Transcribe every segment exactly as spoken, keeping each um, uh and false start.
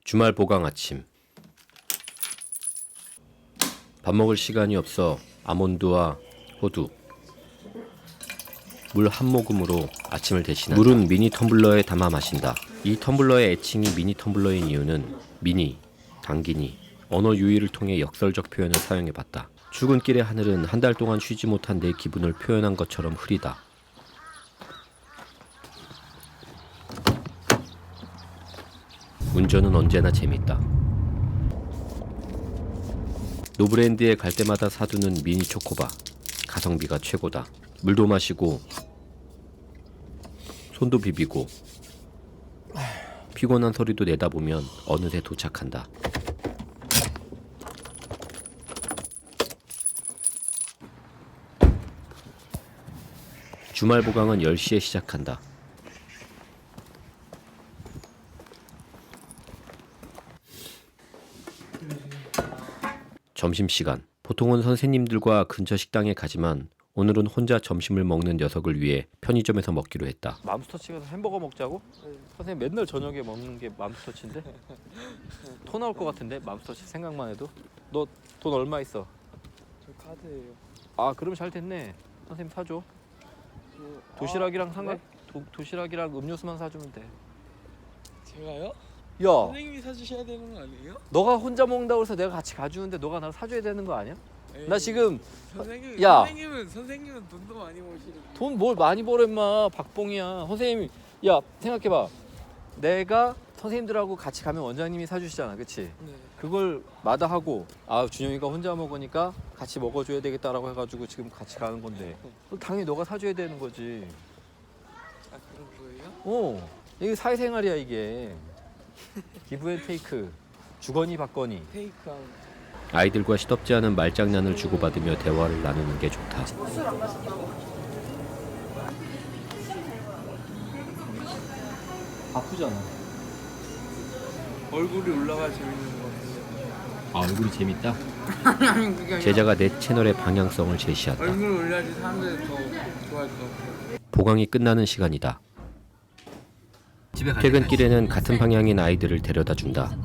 주말 보강 아침. 밥 먹을 시간이 없어 아몬드와 호두, 물 한 모금으로 아침을 대신한다. 물은 미니 텀블러에 담아 마신다. 이 텀블러의 애칭이 미니 텀블러인 이유는 미니, 당기니, 언어 유희를 통해 역설적 표현을 사용해봤다. 출근길의 하늘은 한 달 동안 쉬지 못한 내 기분을 표현한 것처럼 흐리다. 운전은 언제나 재밌다. 노브랜드에 갈 때마다 사두는 미니 초코바. 가성비가 최고다. 물도 마시고 손도 비비고 피곤한 소리도 내다보면 어느새 도착한다. 주말 보강은 열 시에 시작한다. 점심시간. 보통은 선생님들과 근처 식당에 가지만 오늘은 혼자 점심을 먹는 녀석을 위해 편의점에서 먹기로 했다. 맘스터치 가서 햄버거 먹자고? 네. 선생님 맨날 저녁에 먹는 게 맘스터치인데? 토 나올 것 같은데 맘스터치 생각만 해도? 너 돈 얼마 있어? 저 카드예요. 아 그러면 잘 됐네. 선생님 사줘. 뭐, 도시락이랑 아, 삼각 네? 도, 도시락이랑 음료수만 사주면 돼. 제가요? 야, 선생님이 사주셔야 되는 거 아니에요? 너가 혼자 먹는다고 해서 내가 같이 가주는데 너가 나를 사줘야 되는 거 아니야? 나 에이, 지금 선생님, 야. 선생님은 선생님은 돈도 많이 버시는. 돈 뭘 많이 벌어 임마. 박봉이야. 선생님, 야 생각해봐. 내가 선생님들하고 같이 가면 원장님이 사주시잖아, 그치? 네. 그걸 마다하고 아 준영이가 혼자 먹으니까 같이 먹어줘야 되겠다라고 해가지고 지금 같이 가는 건데 당연히 너가 사줘야 되는 거지. 아 그런 거예요? 어, 이게 사회생활이야 이게. 기브앤테이크, 주거니 받거니. 테이크 아웃. 아이들과 시덥지 않은 말장난을 주고받으며 대화를 나누는 게 좋다. 바쁘잖아. 얼굴이 올라가 재밌는 거 같아요. 아, 얼굴이 재밌다? 아니 아니 그게 아니라 제자가 내 채널의 방향성을 제시한다. 얼굴 올려야지 사람들이 더 좋아할 것 같아요. 보강이 끝나는 시간이다. 퇴근길에는 같은 방향인 아이들을 데려다 준다.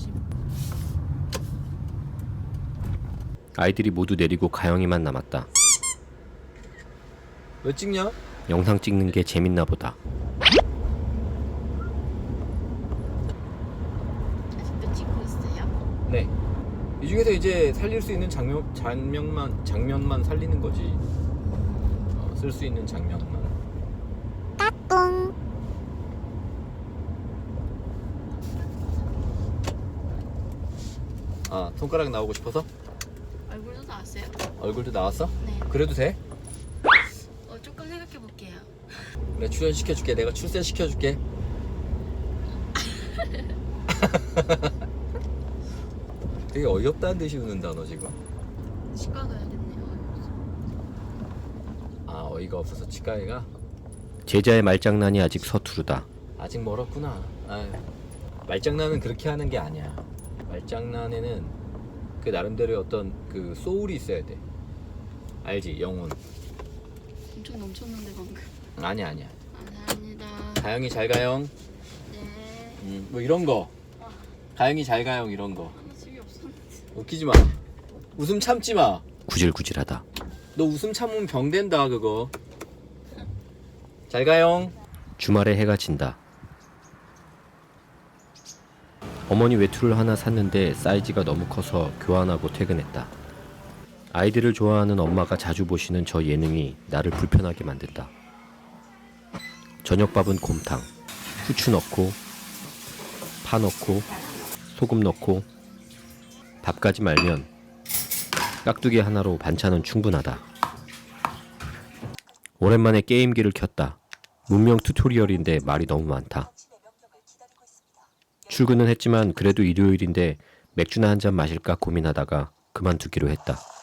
아이들이 모두 내리고 가영이만 남았다. 왜 찍냐? 영상 찍는 게 재밌나 보다. 아직도 찍고 있어요? 네. 이 중에서 이제 살릴 수 있는 장면 장면만 장면만 살리는 거지. 어, 쓸 수 있는 장면만. 아 손가락 나오고 싶어서? 얼굴도 나왔어요? 얼굴도 나왔어? 네. 그래도 돼? 어, 조금 생각해 볼게요. 내가 출연시켜줄게. 내가 출세시켜줄게. 되게 어이없다는 듯이 웃는다 너 지금. 치과 가야겠네요. 아 어이가 없어서 치과에 가? 제자의 말장난이 아직 서투르다. 아직 멀었구나. 아유, 말장난은 그렇게 하는 게 아니야. 말장난에는 그 나름대로의 어떤 그 소울이 있어야 돼. 알지? 영혼. 엄청 넘쳤는데 방금. 아니야 아니야. 감사합니다. 가영이 잘 가영. 네. 음, 뭐 이런 거. 가영이 잘 가영 이런 거. 아무 집이 없었는데. 웃기지 마. 웃음 참지 마. 구질구질하다. 너 웃음 참으면 병 된다 그거. 잘 가영. 주말에 해가 진다. 어머니 외투를 하나 샀는데 사이즈가 너무 커서 교환하고 퇴근했다. 아이들을 좋아하는 엄마가 자주 보시는 저 예능이 나를 불편하게 만든다. 저녁밥은 곰탕, 후추 넣고, 파 넣고, 소금 넣고, 밥까지 말면 깍두기 하나로 반찬은 충분하다. 오랜만에 게임기를 켰다. 문명 튜토리얼인데 말이 너무 많다. 출근은 했지만 그래도 일요일인데 맥주나 한잔 마실까 고민하다가 그만두기로 했다.